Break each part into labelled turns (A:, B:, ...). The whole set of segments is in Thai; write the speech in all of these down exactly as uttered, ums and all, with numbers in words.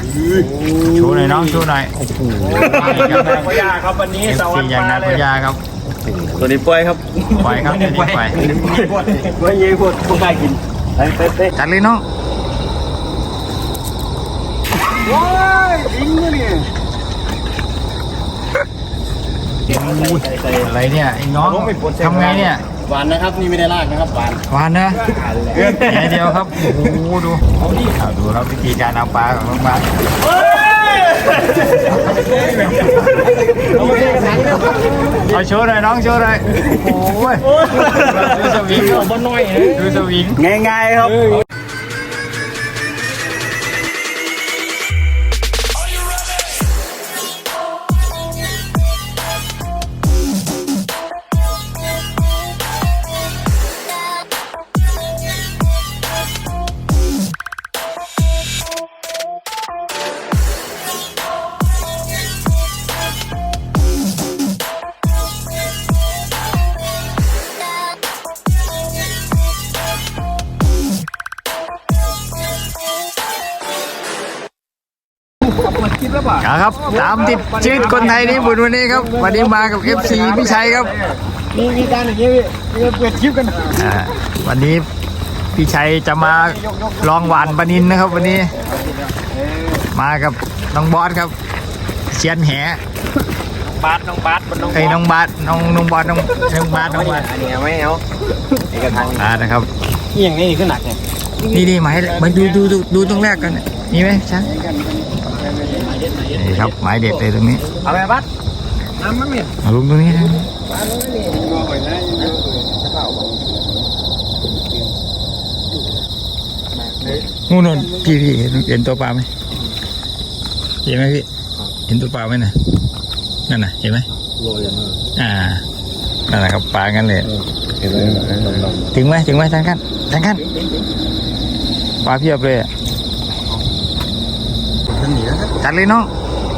A: โชว์หน่อยน้องโชว์หน่อยโอ้โห
B: พยาครับวันนี้สวัสดี
A: อย่างนั้นพยาครับ
B: ตัวนี้ปล่อยครับ
A: ปล่อยครับตัวนี้ปล่อย
B: ปล่อยเยี่ยมพดพวกใครกินไปไปไป
A: จัดเลยน้อง
B: ว้ายดิ้งเลยเนี่ย
A: อะไรเนี่ยไอ้น้องทำไงเนี่ย
B: หวานนะครับนี่ไม่ได้ลากนะครับหวาน
A: หวานนะแค่เดียวครับโอ้โหดูดูครับวิธีการเอาปลาของน้องปลาเอาโชว์หน่อยน้องโชว์หน่อยโอ้ยดูสวิงดูสวิง
B: ง่ายๆครับ
A: ครับตามติดชีวิตคนไทยนี่บุญวันนี้ครับวันนี้มากับ เอฟ ซี พี่ชัยครับ
B: มีมีการอย่างนี้พี่เปิดคลิปกัน
A: วันนี้พี่ชัยจะมาลองหวานปลานิลนะครับวันนี้มากับน้องบอสครับเชียนแห
B: บาสน้องบาส
A: ไอ้น้องบาสน้องน้องบอสน้องน้องบาสน้องบาส
B: อันนี้ไม่เอาเอกทาง
A: อ่านะครับ
B: อย่างนี้ขึ้นหนักเนี่ย
A: นี่นี่มาให้มาดูดูดูดูตรงแรกกันมีไหมช้างนี่ครับหมายเด็ดเลยตรงนี้
B: เอาไปบัดน้ำมันเนี่ย
A: มาลุงตรงนี้นะนู่นนู่นพี่พี่เห็นตัวปลาไหมเห็นไหมพี่เห็นตัวปลาไหมน่ะนั่นน่ะเห็นไหมอ่านั่นแหละครับปลากันเลยถึงไหมถึงไหมทางกันทางกันปลาเพียบเลยอ่ะจัดเลยน้อง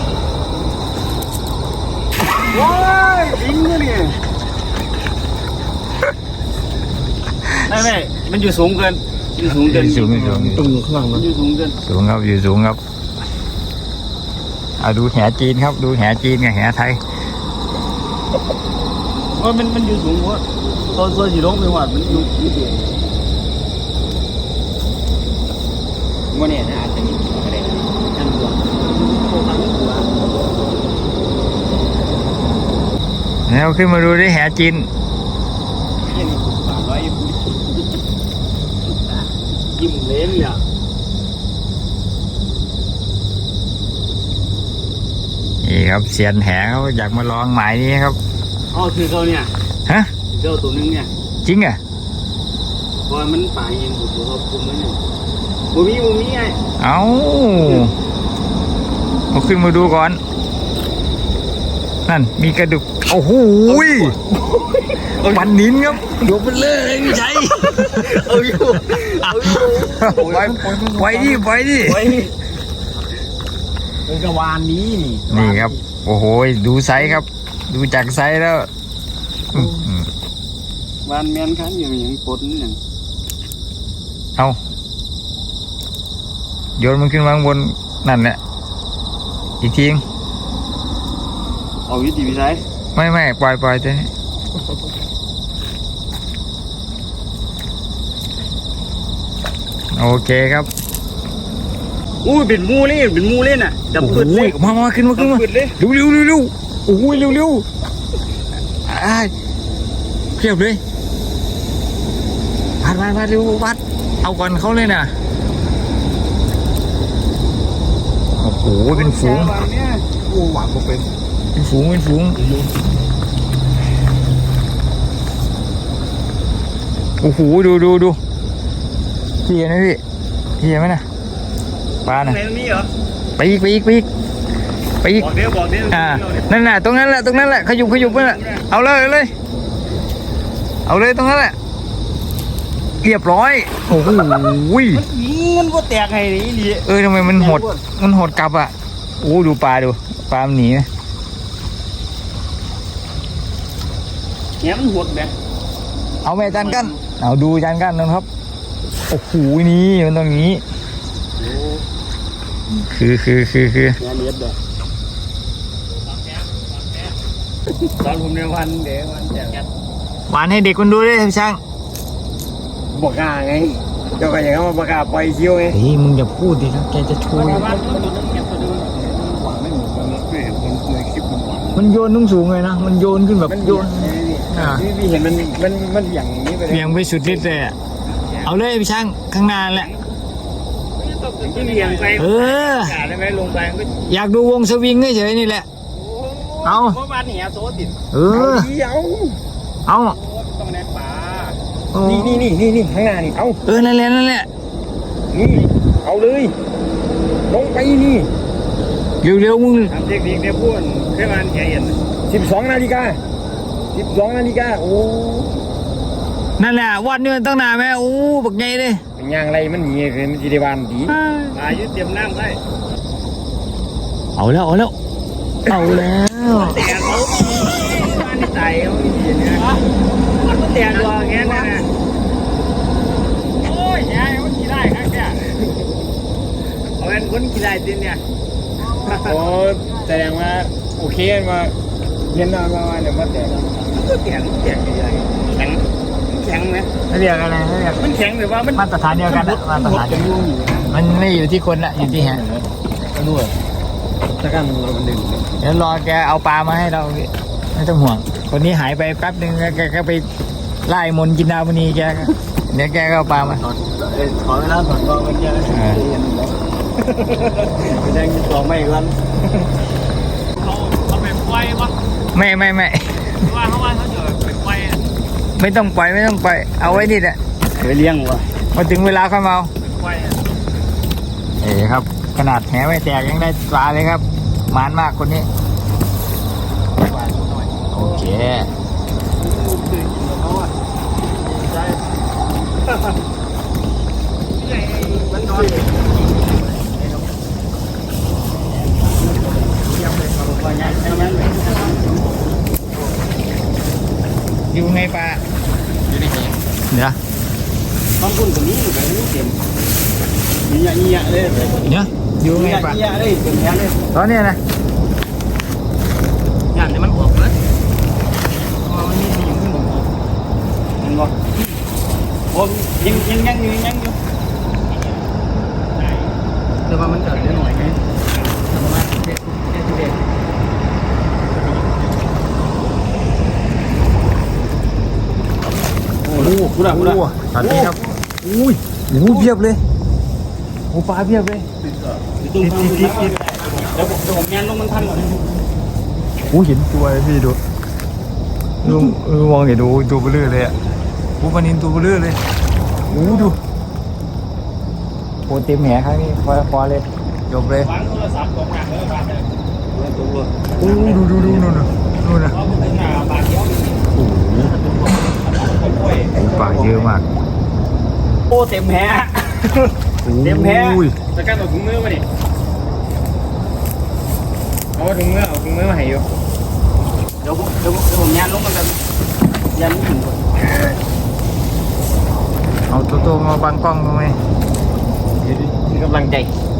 B: ว้ายดิ้งเลยเนี่ยไม่ไม่มันอยู่สูงเกินอยู่สูงเกิน
A: สูงสูง
B: ตึงข้างล่างมันอยู่สูงเกิน
A: สูงครับอยู่สูงครับเอาดูแหจีนครับดูแหจีนกับแหไทย
B: ว่ามันมันอยู่สูงเพราะตัวตัวสีล้มไปหวานมันอยู่นิดเดียวมันเนี่ยนะอาจจะมีอะไรกันตัว
A: แล้วขึ้นมาดูได้แหจีน
B: ยิ้มเล่นเนี่ย
A: นี่ครับเสียนแหเขาอยากมาลองหมายนี้ครับ
B: อ๋อคือเขาเนี่ย
A: ฮะ
B: เจ้าตัวนึงเนี่ย
A: จริงอ่ะ
B: เพราะมันป่าเองผมเขาคุมไว้เนี่ยบูมี่บูมี่ไง
A: เอาเอาขึ้นมาดูก่อนนั่นมีกระดูกโอ้โหปันนินครับยกไปเลยพี่ชัย
B: เอาอยู่เอาอยู่
A: ไปไปดิไปดิ
B: เป็นกระวานนี้นี่
A: นี่ครับโอ้โหดูไซส์ครับดูจากไซส์แล้ว
B: วานแมนคันอย่างอย่างปนอย่าง
A: เอาโยนมันขึ้นมาบนนั่นแหละอีกทีง
B: เอาวิธีวิสัย
A: ไม่ไม่ปล่อยปล่อยเถอะโอเคครับ
B: อู้เป็นมูเล่นเป็นมูเล่นอ่ะดับปืนเลย
A: มามาขึ้นมาขึ้นมาเร็วเร็วเร็วเร็วโอ้ยเร็วเร็วอ่าเพียบเลยพัดพัดพัดเร็วพัดเอาก่อนเขาเลยนะโอ้โหเป็นฝูง
B: โอ้หวานก็เป็น
A: เป็นฝูงเป็นฝูงโอ้โหดูดูดูพี่เห็นไหมพี่พี่เห็นไหมนะปลาน่ะไปอีกไปอีกไปอีกไปอีก
B: บอกเดี๋ยวบอกเดี๋ยว
A: อ่านั่นน่ะตรงนั้นแหละตรงนั้นแหละขยุบขยุบนั่นแหละเอาเลยเอาเลยเอาเลยตรงนั้นแหละเรียบร้อยโอ้โห
B: มันก็แตกไงนี่
A: เออทำไมมันหดมันหดกลับอ่ะโอ้ดูปลาดูปลามันหนีนะ
B: เนี่ยมันหดแบบ
A: เอาแม่จานกันเอาดูจานกันนะครับโอ้โหนี่มันตรงนี้คือคือคือคือง
B: านเย็บเลยตอนผมในวันเดี๋ยววันแจก
A: หวานให้เด็กมันดูด้วยพี่ช่าง
B: บอกกล้าไงเจ้าก็อย่างนั้นมาประกาศปล่อยคิวไง
A: เฮ้ยมึงอย่าพูดดิครับแกจะช่วย
B: หวานไม่เหมือนกันนะไม่เห็นคนในคลิปมันหวาน
A: มันโยนนุ่งสูงเลยนะมันโยนขึ้นแบบ
B: มัน
A: โยน
B: อ่าพี่พี่เห็นมันมันมันอย่างนี้ไปเลย
A: เบี่ยงไปสุดฤทธิ์เลยอะเอาเลยพี่ช่างข้างหน้าแหละ
B: ที่เลี้ยงไป
A: เออ
B: กาได้ไหมลงไปก็
A: อยากดูวงสวิงเฉยๆนี่แหละ เอา
B: เมื่อวานเนี่ยโซติด
A: เออ
B: เดียว
A: เอา
B: ต้องในป่า
A: โอ้
B: นี่นี่นี่นี่นี่ข้างหน้านี่เอา
A: เออนั่นแหละนั่นแหละ
B: นี่เอาเลยลงไปนี่
A: เร็วๆมึง
B: ทำเทคนิคเนี่ยพูดแค่วันแกเห็นสิบสองนาฬิกาสิบสองนาฬิกาโอ้
A: นั่นแหละวัดนี่มันตั้งนานไหมโอ้บักใหญ่เลย
B: เป็นย่างไรมันหนีเลยมันจีได้วานดีปลายึดเตรียมน้ำได้
A: เอาแล้วเอาแล้วเอาแล้ว
B: แต่เขาบ้านที่ไต่เขาไม่ดีนะมันก็แต่ตัวแค่นั้นนะโอ้ยยายมันกี่ได้ครับแกเอาเป็นคนกี่ได้จริงเนี่ยโอ้แสดงว่าโอเคมาเย็นมามาเนี่ยมาแต่ก็แข็งแข็งใหญ่แข็งแข็งไหม
A: ไม่เรียกอะไรไม่เรียก
B: มันแข็งหรือว่ามัน
A: มาตรฐานเดียวกันนะมาตรฐานเดียวกันมันไม่อยู่ที่คนละอยู่ที่แฮะ
B: ด้วยถ้ากันเรามันดึง
A: เดี๋ยวรอแกเอาปลามาให้เราพี่ไม่ต้องห่วงคนนี้หายไปแป๊บนึงแล้วแกก็ไปไล่มนต์กินดาวมณีแกก็เดี๋ยวแกก็เอาปลามา
B: ขอเวลาถอนกองกันเยอะไปแดงกินกองไม่กันเขาเขาไปปล่อยปะ
A: ไม่ไม่ไม่
B: ว่าเขาว่าเขาจะไปปล่อย
A: ไม่ต้องปล่อยไม่ต้องปล่อยเอาไว้นี่แหละ
B: ไปเลี้ยงวะ
A: พอถึงเวลาค่อยมาเอา
B: ปล่อย
A: เอ๋ครับขนาดแหไม่แตกยังได้ปลาเลยครับหมานมากคนนี้โอเคอยู่ไงปลาอยู่ในนี้เดี๋ยว
B: ต้องคุณคนนี้อยู่แบบนี้เต็มมีเงี้ยเลย
A: เดี๋ยวอยู่ไงปลา
B: เงี้ยเลยเต็มแค่เลย
A: ตอนเนี้ยนะ
B: งานเนี่ยมันออกเลยมันมีสิ่งที่ผมเห็นบ่ผมยังยังยังอยู่ยังอยู่แต่ว่ามันเกิดได้หน่อยไหมประมาณเจ็ดเจ็ดสิบเอ็ดโอ้โหกูด่ากูด่า
A: ตอนนี้ครับอุ้ยโอ้โหเพียบเลยโอ้ปลาเพียบเลย
B: ติดติดติดติดเดี๋ยวผมเดี๋ยวผมยันลงมันทันก่อน
A: โอ้เห็นตัวเลยพี่ดูดูดูมองเห็นดูตัวเบลอเลยอ่ะโอ้ปลานินตัวเบลอเลยโอ้ดูโอ้เต็มแหครั้งนี้พอพอเลยจบเลยว
B: างโทรศัพท์ตรงหนักเลยบาทเลยตรงเลย
A: โอ้ดูดูดูนู่นน่ะนู่นน่ะ
B: เพราะมันเป็นหน้าบาทเดียว
A: โอ้โหปลาเยอะมาก
B: โอ้เต็มแฮะเต็มแฮะจะการเอาถุงมือมาดิเอาถุงมือเอาถุงมือมาให้อยู่เดี๋ยวผมเดี๋ยวผมเดี๋ยวผมยันลงมันกันยันถึงก่อน
A: เอาตัวโตมาบังกล้องทำไม
B: มีกำลังใจ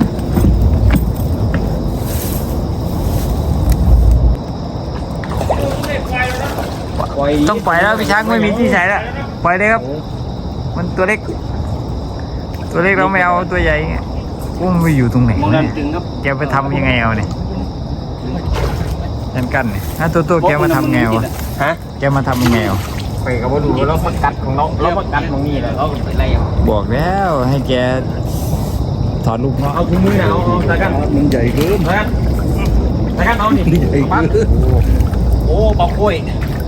B: ปล่อย
A: ต้องปล่อยแล้วพี่ช้างไม่มีที่ใส่แล้วปล่อยเลยครับ มันตัวเล็ก ตัวเล็กเราไม่เอาตัวใหญ่ไงอุ้มนไปอยู่ตรงไหน
B: มอง
A: วะ
B: ด้าน
A: เนี่ย
B: ตึงครับ
A: แกไปทำยังไงเอาเนี่ยยันกันเนี่ยถ้าตัวตัวแกมาทำไงวะ
B: ฮะ
A: แกมาทำยังไงวะ
B: ไปกับว่าดูแล้วประกัดของเราเราประกัดของนี่แหละเราเป็นไรอ่ะ
A: บอกแล้วให้แกถอดลูกเนาะ
B: เอาถุงมือนะเอาเอาตะกันมันใหญ่เกินตะกันตะกันเอานี่โอ้ปอกกล้วย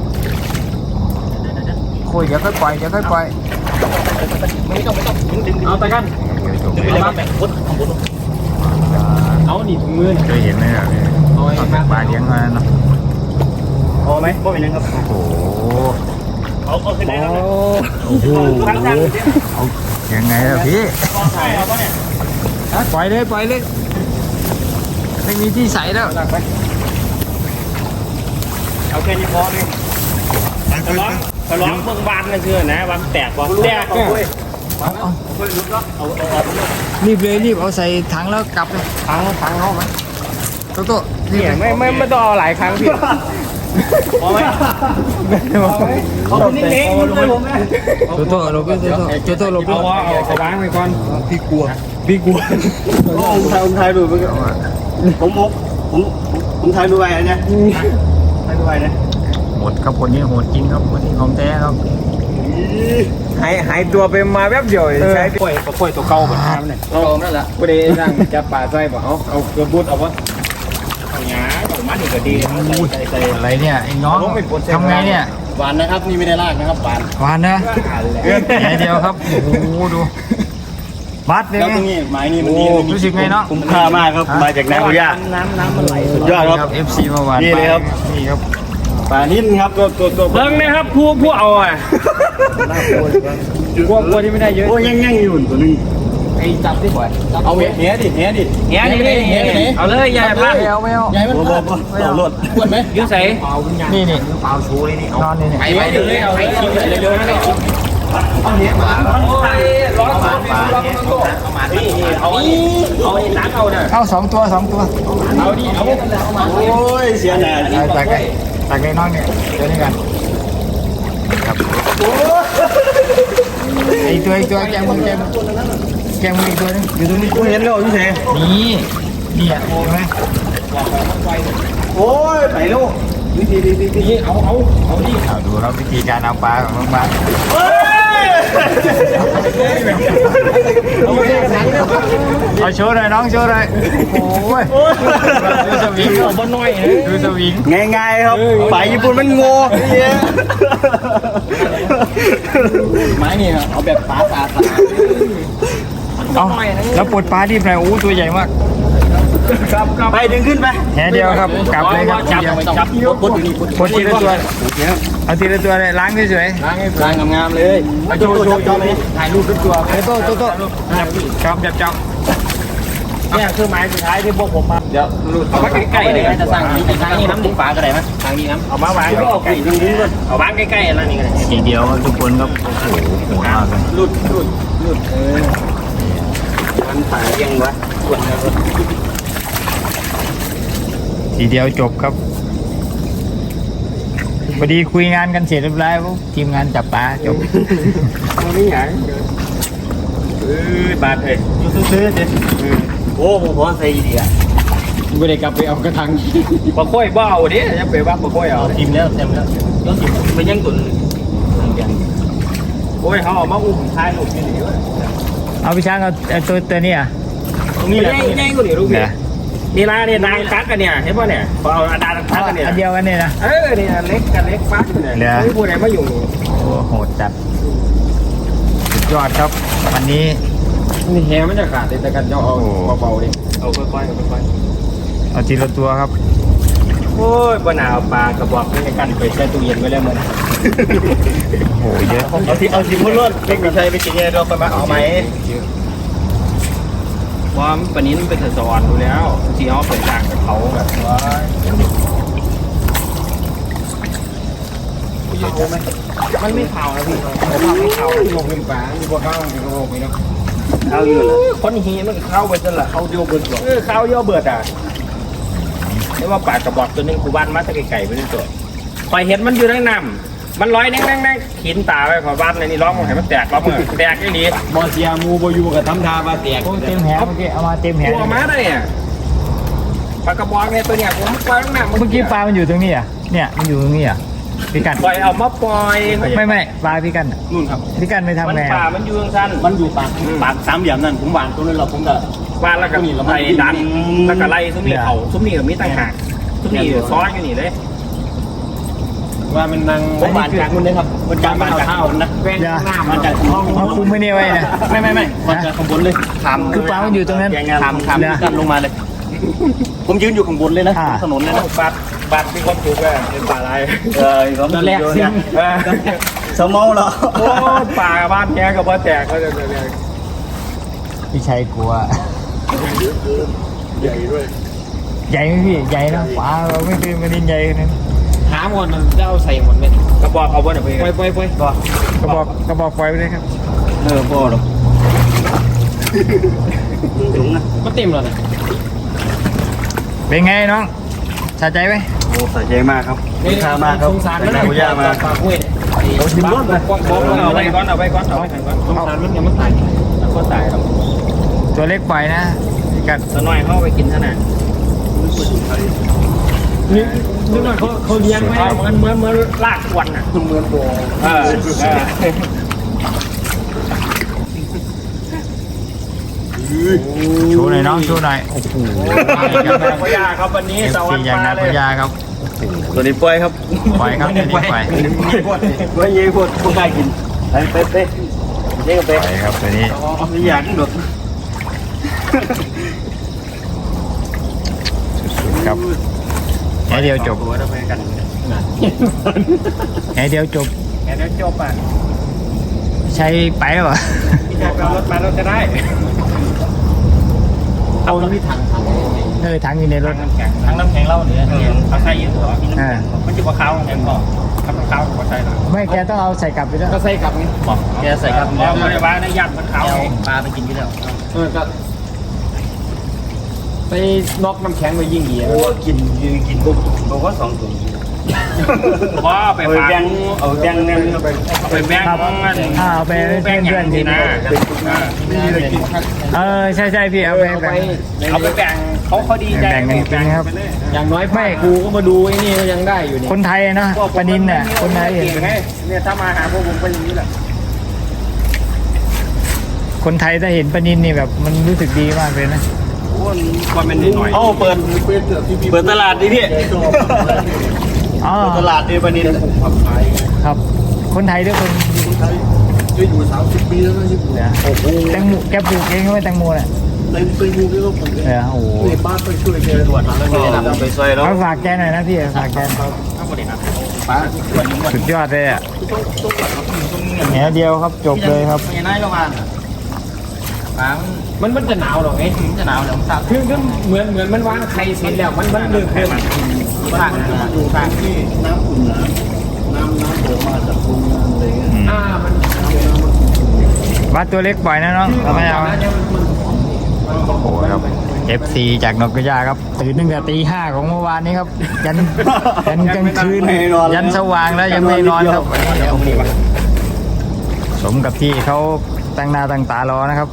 A: คุยเดี๋ยวค่อยปล่อยเดี๋ยวค่อยปล่อย
B: ไม่ต้องไม่ต้องดึงดึงเอาตะกันดึงไปเลยแบบพุทธพุทธเอานี่ถุงมือ
A: เคยเห็นไหมแบบนี้ตอนเป็นปลาเลี้ยงมาเนาะ
B: พอไหมพอเป็นยังครับ
A: โอ้โห
B: เอาเอาขึ้นได้แล้ว
A: โอ้โหเอายังไงล่ะพี่
B: ใช่เอาปะเนี่ย
A: ปล่อยเลยปล่อยเลยไม่มีที่ใส่แล้ว
B: ตักไปเอาแค่นี้พอเลยทะเลาะทะเลาะเมืองบานเลยเชื่อนะวันแตกบอกแตก
A: เอาเอารีบเลยรีบเอาใส่ถังแล้วกลับเลยถังถังเข้าไหมโตโต้รีบ
B: เนี่ยไม่ไม่ไม่ต้องเอาหลายครั้งพี่พอไหมเอาเป็นเล็กๆเลยผมนะ
A: โตโต้หลบไปโตโต้โตโต้หลบไป
B: เอาเอาเอาวางไปก่อน
A: พี่กลัว
B: พี่กลัว
C: ผมถ่ายผมถ่ายดูไปผมผมผมผมถ่ายดูไปอันเนี้ยถ่ายดูไปเนี่ย
A: โหดครับคนนี้โหดจริงครับคนนี้ของแท้ครับ
B: หายหายตัวไปมาแป๊บเดียวใช้ป่วยป่วยตัวเก่าแบบนั้นเนี่ย
C: ลองนั่นแหละ
B: ไม่ได้นั่งจับปลาใส่บ่เอาเอาเกลือบุดเอาวะเอาหยาผมมันนี่ก็ดีใส่ใส่
A: อะไรเนี่ยไอ้น้องทำไงเนี่ย
C: หวานนะครับนี่ไม่ได้ลากนะครับหวาน
A: หวานนะแค่เดียวครับโอ้โหดูบัดเลย
C: แล้วตรงนี้ไม้นี่มันดี
A: รู้สึกไงเนาะ
C: คุ้มค่ามากครับมาจากนาคุย่า
B: น้ำน้ำมันไหล
C: สุดยอดครับ
A: เอฟซีมาหวาน
C: นี่เลยครับ
A: นี่ครับ
C: ปลานิ่มครับตัวตัวตัว
B: เบิ้งนะครับผู้ผู้เอาอ่ะพวกพวกที่ไม่ได้เยอะ
C: โอ้ยังยังอยู่ตัวนึง
B: ไอ้จับที่บ่อย
C: เอาเหี้ยดิเหี้ยดิ
B: เหี้ยนี่นี่เหี้ยนี่เอาเลยยายพลาด
A: ไม่เอาไม่เอา
C: ใหญ่มันพลาดต่อรถปวดไหม
B: ยื้อใส่
A: นี่นี่เปล่าชูเลยนี่นอนนี่นี่
B: ไปไปเดี๋ยวเลยเอาไปชิมเลยเร็วๆนะเลยชิมเอาเหี้ยมาร้อนมาปลาร้อนมานี่เอาเอาไอ้นักเอาเนี่ย
A: เอาสองตัวสองตัว
B: เอาดิเอา
C: โอ้ยเสียหน้า
A: เอาตักไอ้ตักไอ้น้องเนี่ยเดี๋ยวนี้กันครับไอ้ตัวไอ้ตัวแกมึงแกมึงแกมึงอีกตัวนึงอยู่ตรงนี้
C: กูเห็นแล้วพี่เส
A: นี่นี่อ่ะเห็นไหม
C: โอ้ยไปลูกวิธีดีดีดี
B: นี่เอาเอาเอาดิ
A: เอาดูครับวิธีการเอาปลาของน้องปลา
C: เฮ้ย
A: เอาโชว์หน่อยน้องโชว์หน่อยโอ้ยดูสวิง
B: เอาบ่น้อยเลย
A: ดูสวิง
C: ง่ายๆครับไปญี่ปุ่นมันโง่เนี่ย ไม้นี่เอาแบบปลาสาสา
A: เอาแล้วปลดปลาที่ไหนโอ้ตัวใหญ่มาก
B: ครับครับ
C: ไปดึงขึ้นไป
A: แหเดียวครับกลับเลยครับ
B: จับ
A: เดียว
B: จับ
C: ปลดอยู่นี่
A: ปลดทีละตัวเอาทีละตัวเลยล้างเฉย
C: ล้างให้ล้างงามๆเลยโชว์โชว์โชว์เลยถ่ายรูปทุกตัว
A: ๆไอ้โต้โต้โต้จับจับจับจับ
B: เนี่ยคือไม้สุดท้ายที่พวกผมมา
C: เดี๋ยวรูด
B: เอามาใกล้ๆเลย
C: จะสร้างนี้ทางนี้น้ำดึงปลาก็ได้ไหมทางนี้น้ำ
B: เอามาวาง
C: ก็ออกปีกดึงดึงก่อน
B: เอาวางใกล้ๆแล้วนี่ก็ได้
A: ทีเดียวทุกคนครับโอ้โหโหดมากเลย
C: รูดรูดรูดเออมันถ่ายยังวะกดแล้ว
A: ทีเดียวจบครับพอดีคุยงานกันเสร็จเรียบร้อยปุ๊บทีมงานจับปลาจบ
B: เอานี่หยังเออบาดเลย
C: ยูทูบซื้อเด็ดโอ้ผมพอใส่ดีอ่ะ
B: ไม่ได้กลับไปเอากระทังปลาค่อยบ้าดิจะไปว่าปลาค่อยเอา
C: ทีมแล้วเต็มแล้วแล้วทีมไปยังตุนยัง
B: โอ้ยเขาเอามาอุ้มท้ายลูกนี่นี่
A: เอาพี่ช้างเอาเอาตัวตัวนี้อ่ะ
C: ตรงนี้แหละ
B: ใหญ่กว่านี่ลูก
A: เหร
B: นี่
A: อ
B: นี่ละนี่นางตักกันเนี่ยเห็นป่ะเนี่ยพอเอาดานตักกันเนี่ย
A: อันเดียวกันเนี่ยนะ
B: เออนี่เล็กกันเล็กปั๊บเนี่ยไม่พูดอะไรมาอยู่
A: โอ้โหดจัดสุดยอดครับวันนี้
B: นี่แฮมันจะขาดแต่กันจะเอาเบาๆดิเอาค่อยๆค่อย
A: เอาทีละตัวครับ
B: ๆโอ้ยปลาเอาปลากระบอกนี่กันไปใส่ตู้เย็นไว้แล้วมัน
A: โอ้โหเยอะ
C: เอาทีเอาทีพุ่นรถเล็กหน่อยใช่ไปกินยังไงเราไปมาเอาไหม
B: ว่าปนี้มันเป็นสวรรค์ดูแล้วที่เขาเปิดต่างกับเขาแบบว่ามันไม่เผานะพี่ผมทำไม่เผาลงเป็นปลามีพวกข้าวมีพวกมีเนาะ
C: เอาอยู่เลย
B: คนฮีมันเข้าไปจนละเข้าโยเบิร์ดเออเข้าโยเบิร์ดอ่ะนี่ว่าปลากระบอกตัวนึงกูบ้านมาตะไก่ไปนี่ตัวคอยเห็นมันอยู่ในน้ำมันลอยแน่งๆๆขีนตาไปขอบ้านในนี่ร้องมันให้มันแตกร้องมันแตกไอ้นี่
C: บอเซียมูบอยู่กับทำทาบาแตก
A: โอ้เต็มแหเมื่อกี้เอามาเต็มแห
B: ตัวมาได้เนี่ยปลากระบอกเนี่ยตัวเนี่ยผมปล่อยน้ำ
A: เมื่อกี้ปลามันอยู่ตรงนี้อ่ะเนี่ยมันอยู่ตรงนี้อ่ะพี่กัน
B: ปล่อยเอามาปล่อย
A: ไม่ไม่ปลาพี่กันอะ
C: นู่นครับ
A: พี่กันไม่ทำ
B: มัน
A: ไง
B: ป่า
A: อะ
B: มันอยู่สั้น
C: มันอยู่ปากปากสามเหลี่ยมนั่นผมวางตรงนั้นเราผมก็
B: วานแล้วก็ไล่ดันแล้วก็ไล่ซุ้มนี่เขาซุ้มนี่กับมีต่างหากซุ้มนี่ซ้อนอยู่นี่เลย
C: ว่ามันนั่งผมวางจากนู่นเลยครับมันจากวางจากข้างบนนะ
A: อย่า
C: มันจากห้อง
A: เอาคุมไม่เนี่ยไว้นะ
C: ไม่ไม่ไม่มันจากข้างบนเลยขาม
A: คือปลามันอยู่ตรงนั้น
C: ขามขามกันลงมาเลย ผมยืนอยู่ข้างบนเลยนะ
A: อ่า
C: ถนนเลยนะ
B: บัดบัดมีความสุขเลยเป็นป่าอะไร
C: เออตอนแรกซิมสมองเหรอ
B: โอ้ป่าบ้านแกกับบ้านแตกก็จะเลย
A: พี่ชัยกลัว
C: ใหญ่ด้วย
A: ใหญ่ไหมพี่ใหญ่นะปลาเราไม่เคยมาดินใหญ่ขนาดนั้น
C: หาหมดมันจะเอาใส่หมดไหม
B: กระบอกเอาบ้านไป
C: ไปไปไป
A: กระบอกกระบอกปล่อยไปเลยครับ
C: เออพอหรอกถุงนะ
B: ก็เต็มแล้วนะ
A: เป็นไงน้องสะใจไหม
C: โอ้สะใจมากครับคุ้มค่ามากครับ
B: สงสารมัน
C: ได้กุย่ามา
B: ปากกล้วยเอาชิมรสไปเอาไปก่อนเอาไปก่อนเอาไปก่อนสงสารมันยังไม่ตายแล้วก็ตายครับ
A: ตัวเล็กปล่อยนะกัด
B: สน้อยเข้าไปกินเท่านั้นนี่นี่มันเขาเขาเลี้ยงไว้เหมือนเหมือนเหมือนลากควันอ่ะเหมือนโบเออ
A: ชูหน่อยน้องชูหน่อยโอ้โห
B: อย่างนางพญาครับวันนี้
A: เอฟ
B: สวั
A: ซี
B: สดี
A: อย่างนา
B: เล
A: พ
B: ย
A: ญาครับ
C: ตัวนี้ปล่อยครับ
A: ปล่อยครับตัวนี้ปล่อย
C: ปล่อยเยี่ยพวกพวกกล้ากินไปไปไปเยี่ยกับ
A: ป
C: ไป
A: ล่อยครับตัวนี้
C: ไม่อยากกินหรอก
A: สุดๆครับแค่เดียวจบ
C: ตัวเราไปกัน
A: แค่เดียวจบ
B: แค่นี้จบอ่ะ
A: ใช้ไปแล้วเหรอ
B: พี่ชายเอารถมาเราจะได้เอาน้ำที่ถังถัง
A: เออถังอยู่ในรถ
B: น้ำแข็งถังน้ำแข็งเล่าเนี่ยเขาใส่เยอะตัวพี่น้ำแข็งมันจะปลาขาวแข็งก่อนถ้าปลาขาวก็ใส่หน่อย
A: ไม่แกต้องเอาใส่กลับไปด้วย
B: ก็ใส่กับนี่บอกแกใส่กับแล้วไม่ได้ว่าได้ยัดมันขาวปลาไปกินที่แล้วเออก็ไปน็อกน้ำแข็งไปยิ่งดี
C: โอ้กินยืนกินปุ๊บบอกว่าสองถุง
B: ว่าไป
C: เอาแบงเอาแบงเนี่ยไป
B: ไปแบง
A: ครับอ่าเอาไปให้เพื่อนๆ
B: ดี
A: กิน
B: นะ
A: เออใช่ใช่พี่เอาไป
B: เอาไป
A: แบ่ง
B: เอาไปแบ่งเขาเขาดีใจ
A: แบ่งกันกินครับ
B: อย่างน้อยไม่กูก็มาดูไอ้นี่ก็ยังได้อยู่นี่
A: คนไทยเนาะปนินเนี่ยคนไทยเห็น
B: เนี่ยถ้ามาหาพวกผมเป็นอย่างนี้แหละ
A: คนไทยถ้าเห็นปนินนี่แบบมันรู้สึกดีมากเลยนะ
B: ความเป็นหน่อย
C: เอ้าเปิดเปิดตลาดดิพี่
A: อ๋อ
C: เปิดตลาดดิปนิน
A: ครับ คนไทยด้วยคน
D: จะอยู่สามสิบปีแล้วนะญี่ปุ่น
A: เนี่ยแตงโมแกปลูกเองใช่ไหมแตงโมเนี่ย
D: เต็มไปมูที่เราปลูก
A: เออโอ้โห
D: ในบ้านไปช่วยแกตรวจ
C: แล้วก็นำไปซอยแล้ว
A: เอาฝากแกหน่อยนะพี่ฝากแก
B: ถ้าบริหาร
C: ป้า
A: สุดยอดเลยอ่ะแหนเดียวครับจบเลยครับ
B: ไม่น่าประมาณมันมันจะหนาวหรอไงมันจะหนาวแล้วมันคือคือเหมือนเหมือนมันวางไข่เสร็จแล้วมันมันเลือกเพิ่มผ่านผ่าน
D: ที่น้ำขุ่นน้ำน้ำน้ำเดือดมาจากโรงงานอะไรเงี้ย
B: อ่ามัน
A: วัดตัวเล็กปล่อยนะน้องเราไม่เอานะโอ้โหครับ เอฟ ซี จากนกกระยาครับตื่นตั้งแต่ตีห้าของเมื่อวานนี้ครับ ยันยันกลางคืนยันสว่างแล้วยังไม่นอนครับสมกับที่เขาตั้งหน้าตั้งตารอนะครับ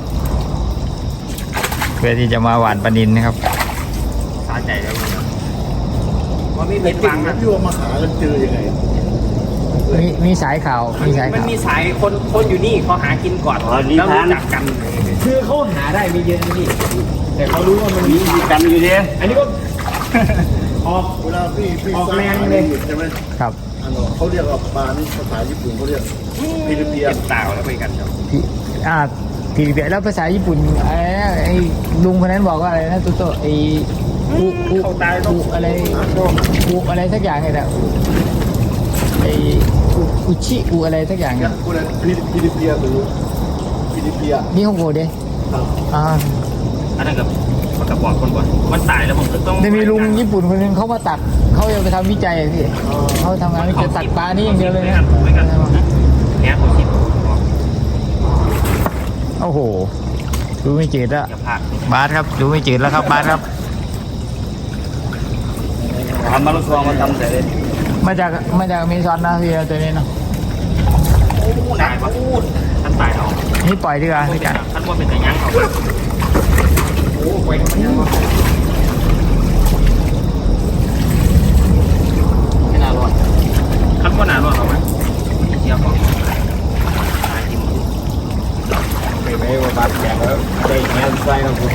A: เพื่อที่จะมาหวานปลานินนะครับ
B: สาใจแล้วว่าไม่เป็นฟังอ่ะ
D: ที่ว่ามาหากันเจอยังไง
A: มีมีสายข่าวมีสาย
B: มัน
A: ข่าว
B: มีสายคนคนอยู่นี่เขาหากินก่อนแล้วรู้จักกัน คือเขาหาได้ไม่เยอะนะพี่แต่เขารู้ว่ามัน
C: มี
B: มี
C: กันอยู่ดิ
B: อันนี้ก็ออก
D: เวลาพี่พี่
B: ออก
D: สร้าง
B: แรง
D: อา
B: เลย
D: ชีพใช่ไหม
A: ครับ
D: อันนั้นเขาเรียกว่าปลานี่ภาษาญี่ปุ่นเขาเรียกฟิลิปปิน
B: เก็บ
D: ส์
B: เต่าแล้วไปกันครับ
A: พี่อ่าทีเดียวแล้วภาษาญี่ปุ่นอะไรนะไอ้ลุงคนนั้นบอกว่าอะไรนะตุ๊โตไอ้อุอุ
B: เขาตายต้อ
A: อุ
B: ง
A: อะไรอุอะไรสักอย่างไงนะไอ้อุอุชิอุอะไรสักอย่างเนี่ย
D: คุณฟิลิปปินส์หรือฟิลิปปินส์
A: นี่ฮ่องกงเด้อ่า
B: อันนั้นกับมันกับบอกคนก่อนมันตายแล้วผมก็ต้อง
A: จะมีลุงญี่ปุ่นคนหนึงเขามาตัดเขาจะไปทำวิจัยอะพี่เขาทำงานวิจัยตัดปลานี่อย่างเดียวเลยนะ
B: ไม่กันเนี่ยผมคิด
A: โอ้โหดูไม่จืดแล้ว
B: อย่าพลาด
A: บาสครับดูไม่จืดแล้วครับบาสครับ
C: ทำมาลุกซองมาทำแต่เลย
A: มาจากมาจากอเมซอนนะพี่ตัวนี้เนาะ
B: ตายปะท่านตายเอา
A: นี่ปล่อยดีกว่าพี่กัน
B: ท่านว่าเป็นแต่ยังเอาโอ้ไปมันยังวะไม่น่ารอดท่านว่าน่ารอดหรอไหมเดี๋ยวบอกไปไปว่าบาดแผลแล้วใจแง่ใจเราคุณ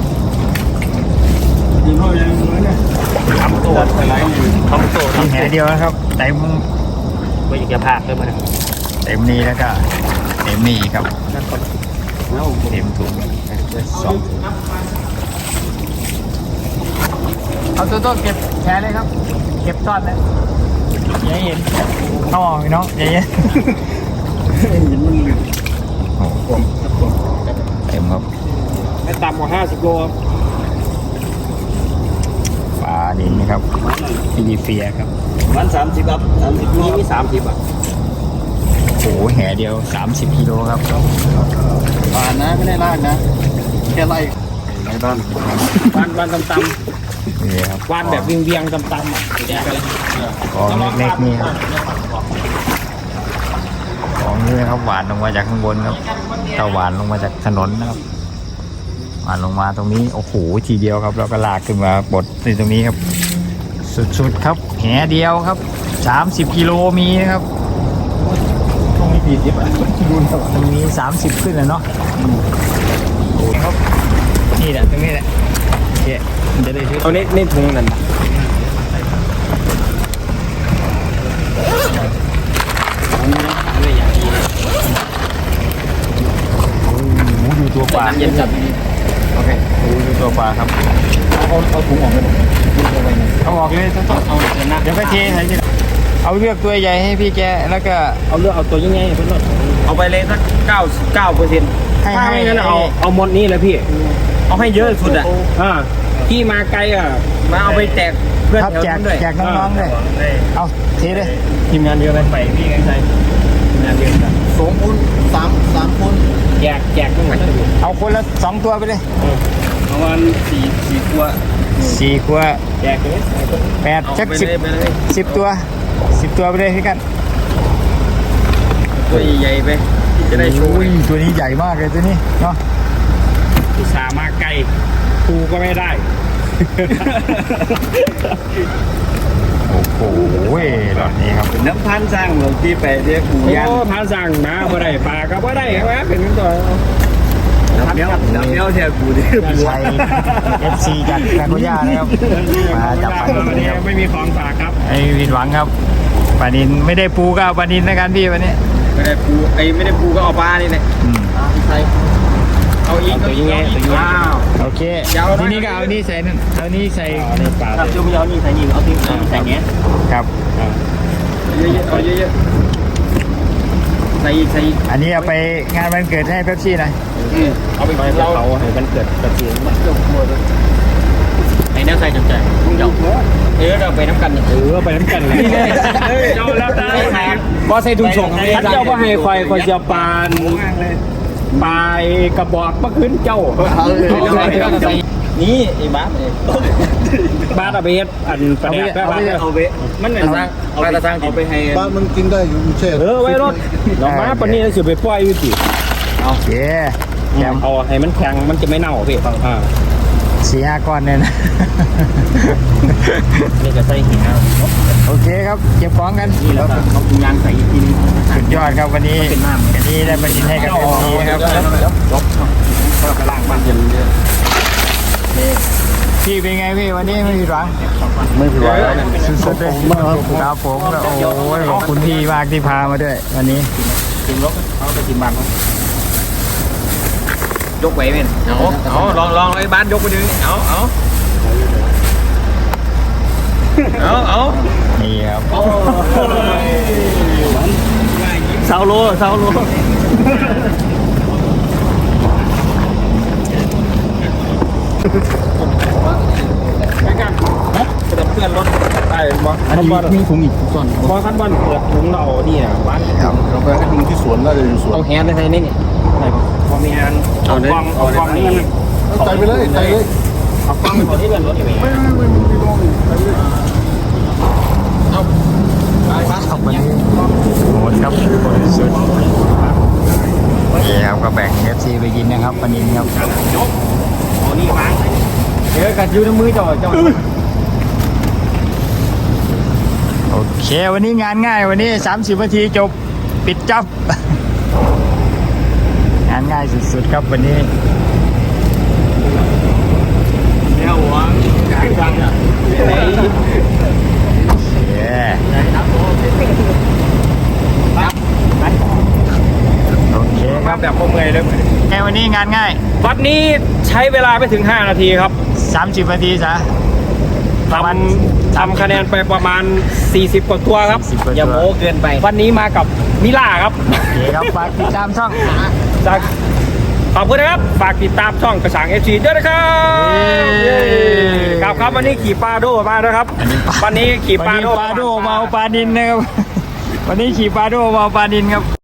D: ยิงเขายังเหมือนเนี่ย
B: ทำตัวอะไรทำตัว
A: มีแหเดียวนะครับเต็ม
B: ไม่อยากจะพลาดเลยมัน
A: เต็มนี้แล้วก็เต็มนี้ครับเต็มถุงสองเอาตัวโต้เก็บแผลเลยครับ เก็บทอดเลยอย่าให้เห็นต้องออกพี่น้องอย่าให้เห็น
D: เห็นมันหลุด
A: โอ้โหเต็มครับ
B: ไม่ต่ำกว่าห้าสิบโล
A: ปลาดินนะครับฟิลิเปียครับ
C: วันสามสิบครับสามสิบ
B: นี่มีสามสิบอ่ะ
A: โแห่เดียวสามสิบกิโลครับ
C: ผ่านนะไม่ได้ลากนะแค่ไล่ในบ้าน
B: วานวานตำ
A: นี่ครับ
B: ๆวานแบบเวียงเวียงๆตำๆอ่ะแดกไปเลย
A: ของเล็กๆนี่ครับของนี่นะครับหวานลงมาจากข้างบนครับถ้าหวานลงมาจากถนนนะครับหวานลงมาตรงนี้โอ้โหทีเดียวครับแล้วก็ลากขึ้นมาบดในตรงนี้ครับ สุดๆครับแหเดียวครับสามสิบกิโลมีนะครับ
C: ตรงนี้กี่สิบอ่ะดูนะ
A: ตรงนี้สามสิบขึ้นแล้วเนาะโอ้ครับนี่แหละตรงนี้แหละโอเคมันจะได้ช่วย
B: เอาเน้นเน้นถุงนั่น
A: โอ้โหดูตัวปลา
B: เย็นจัด
A: โอเคโอ้ดูตัวปลาครับ
B: เอาเอาถุงออกไปหมด
A: เอาออกเลยต้อง
B: เอาเอาเดี๋ยวนะ
A: เดี๋ยวก็เทใส่ทีหลังเอาเลือกตัวใหญ่ให้พี่แกแล้วก็
B: เอาเลือกเอาตัวยังไงเพื่อนเอาไปเลยสักเก้าเก้าเปอร์เซ็นต์
A: ให้
B: ถ้า
A: ให้
B: ไม่งั้น
A: ให้
B: เอาเอาหมดนี้เลยพี่ เอาให้เยอะสุดอ่ะอ่าที่มาไกลอ่ะมาเอาไปแจกเพื่อน
A: ครับ
B: แถว
A: แจก
B: นั้นด้วย
A: แจกน้องๆด้วยเอาเทเลย
B: ทีมงานเยอะไหมไปพี่ไงใช่ทีมงานเยอะจัง
C: สองคนสามสามคน
B: แจกแจกตรงไหน
A: เอาคนละสองตัวไปเลย
B: ประมาณสี่สี่ตัว
A: สี่ขวด
B: แจกเลย
A: แปด
B: เอา
A: สัก
B: ไป
A: สิบ
B: เลยไปเลย
A: สิบตัวสิบตัวไปเลยพี่กัน
B: ตัวใหญ่ๆไปจะได้โชว์
A: อุ้ยตัวนี้ใหญ่มากเลยตัวนี้เนาะ
B: อุตส่าห์มาไกลครูก็ไม่ได้
A: โอ้โหหลอดนี้ครับ
C: น้ำพันสร้างหลวงที่ไปเรียกหมูยัน
B: โอ้พาสั่งมาบ่ได้ปลาก็บ่ได้ครับเป็นตัว
C: น้ำเนี้ยวน้ำเนี้ยวเทียบกูดิ
A: ชัยเอฟซีจากนาโกย่านะครับมาจับปลานิน
B: วัน
A: นะ
B: นี้
A: ครับ
B: ไม่มีของฝากครับ
A: ไอ้ผิดหวังครับปลานินไม่ได้ปูก็เอาปลานินในการพี่วันนี้
B: ไม่ได้ปูไอ้ไม่ได้ปูก็เอาปลานี่แหละ
A: อืม
B: เอาอีกตัวยังไงตัวยังไง
A: โอเคทีนี้ก็เอานี่ใส่นั่นเอานี่ใส่
B: ปลา
C: ครับช่วยไม่เอานี่ใส่นี่เอาที่ใส่เงี้ย
A: ครับ
B: เยอะๆเอาเยอะๆใส่อีกใส่อีก
A: อันนี้เอาไปงานวันเกิดให้เป๊ปซี่หน่อย
B: เอาไปเราเขาให้มันเกิดกระเทียมมันเกิดหมดไอ้แนวใส่จับใจเจ้าเออเราไปน้ำกันเออไปน้ำกันเลยเจ้าแล้วได้ก็ใส่ถุงส่งท่านเจ้าก็ให้ควายควายเจียวปานปลายกระบอกเมื่อคืนเจ้านี่ไอ้บ้าบ้าตะเบ็ดอันประเดี๋ยว
C: เอาไป
B: มันเป็นสร้างเอาไปสร้าง
C: เอาไปให้
D: บ้านมันกินได้อยู่เช่
B: เออไว้รถเรามาปนนี้เราจะไปปล่อยอยู่สิ
A: โอเคแกม
B: เอาให้มันแข็งมันจะไม่เน่าพี่อ่า
A: สี่ห้าก้อนเนี่ยนะ
B: นี่จะใส่หิน
A: โอเคครับเก็บของกัน
B: นี่แล้วเอาถุงยางใส่อีกทีนึง
A: สุดยอดครับวันนี้วันนี้ได้มาดินให้กับเอฟซีครับ
B: ลบก็ไปล้างบ้านเย็นเยอะ
A: พี่เป็นไงพี่วันนี้ไม่ผิดหวัง
C: ไม่ผิดหวัง
A: สุดๆเลยครับผมโอ้ยขอบคุณพี่มากที่พามาด้วยวันนี้
B: กินรถเอาไปกินบ้านยกไว้เม่นเอาเอาลองลองไอ้บ้านยกไปดูเอาเอาเอาเอา
A: นี่ครับ
C: เสาโลเสาโล
B: ไปกันกระดับเพื่อนรถไปบอล
C: อันนี้มีถุงอีกส่วน
B: บอลขั้นบอลเปิดถุงเรานี่นะบ้าน
A: ครับ
D: เราไปให้ลุงที่สวนน่าจะอยู่สวน
B: เอาแฮนด์ไปนี่นี่พอมีแฮนด์เอากล้องเอากล้องนี่
D: ใจไปเลยใจเลย
B: เอากล้องไปที่เป็นรถนี่
D: ไม่ไม่ไม่มีลงใจเลย
B: เอาไปครับ
A: ครับวันนี้โหดครับสุดนี่ครับก็แบ่งเอฟซีไปกินนะครับปลานินครับ
B: ยกเอานี่วางเดี๋ยวกัดยูน้ำมือจ่อจ่อ
A: โอเควันนี้งานง่ายวันนี้สามสิบนาทีจบปิดจับ งานง่ายสุดๆครับวันนี้
B: แนวหัวกลางทางอ่ะ
A: เย้โอเคค
B: มา
A: รับ
B: แบบพวกเมย์เลย
A: แค่วันนี้งานง่าย
B: วัดนี้ใช้เวลาไม่ถึงห้านาทีครับ
A: สามสิบนาทีซะ
B: ทำทำคะแนนไปประมาณสี่สิบกว่าตัวครับ
A: สี่สิบกว่าตัว
B: อย่าโม้เกินไป วันนี้มากับมิล่าครับ
A: โอเคครับฝากติดตามช่อง
B: จากขอบคุณนะครับ ฝากติดตามช่องกระสังเอฟซีด้วยนะครับ
A: เย้
B: ครับครับวันนี้ขี่ปลาโดมานะครับ
A: อันนี้ปลา
B: วันนี้ขี่ปลา
A: วัน
B: โด
A: นี้ปลาโดมาเอาปลานินนะครับ วันนี้ขี่ปลาโดมาเอาปลานินครับ